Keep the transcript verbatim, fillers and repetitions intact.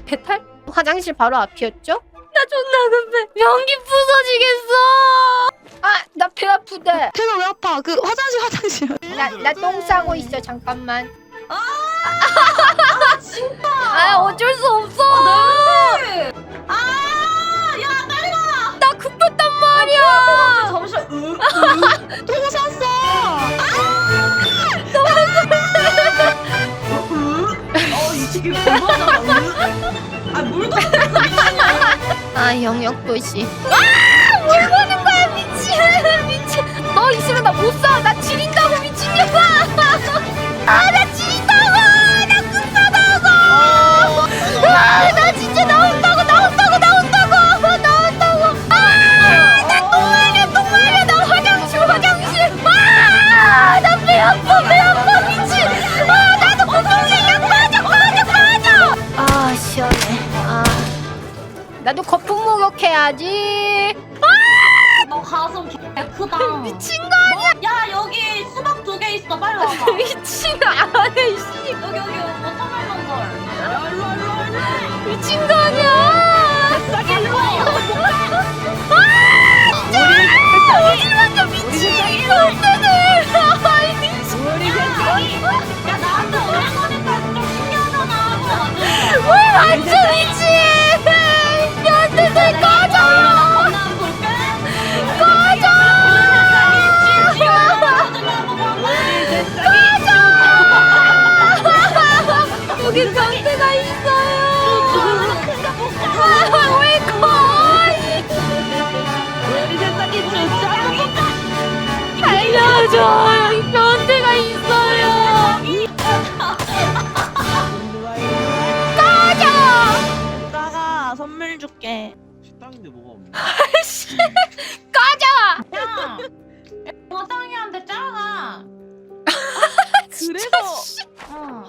배탈? 화장실 바로 앞이었죠? 나 존나 급해. 변기 부서지겠어. 아, 나 배 아프대. 배가 왜 아파? 그 화장실 화장실. 나 나 똥 싸고 있어. 잠깐만. 아 진짜. 아, 어쩔 수 없어. 네. 아야 빨리 가. 나 급했단 말이야. 잠시만. 으, 으. 똥 쌌어. 어, 이 새끼 대박이다. 아, 물도 안 탔어, 미친년. 아, 영역 도시. 아, 뭘 보는 거야, 미친. 미친. 너 있으면 나 못 사. 나 지린다고, 미친년아. 아, 나 지린다고. 나 급하다고. 아, 나 진짜 나온다고, 나온다고, 나온다고, 나온다고. 아, 나 똥 마려, 똥 마려. 나 화장실, 화장실. 아, 나 배 아파, 배 아파, 미친. 아, 나도 거품이야. 빠져, 빠져, 빠져. 아, 시원해. 아. 나도 거품 목욕해야지. 너 가슴 개 크다. 미친 거 아니야? 야, 여기 수박 두 개 있어. 빨리 와봐. 미친 거 안해 씨. 여기, 여기, 워터멜론 걸. 야, 일로 와, 일로 와, 일로 와. 미친 거 아니야? 싸게 일로 와. 아 진짜. 우리 완전 미친 이놈들을. 아이 미친. 우리 새끼. 야, 나한테 오는 거니까 좀 신기하잖아. 왜 완전 미친? 년들들 꺼져. 건너 볼게. 꺼져. 여기 변태가 있어요. 아, 왜 거의? 우리 세상이 진짜. 알려줘. 여기 변태가 있어요. 꺼져. 이따가 선물 줄게. 식당인데 뭐가 없네. 꺼져. 야, 화상이한테 짜라. 그래서 어.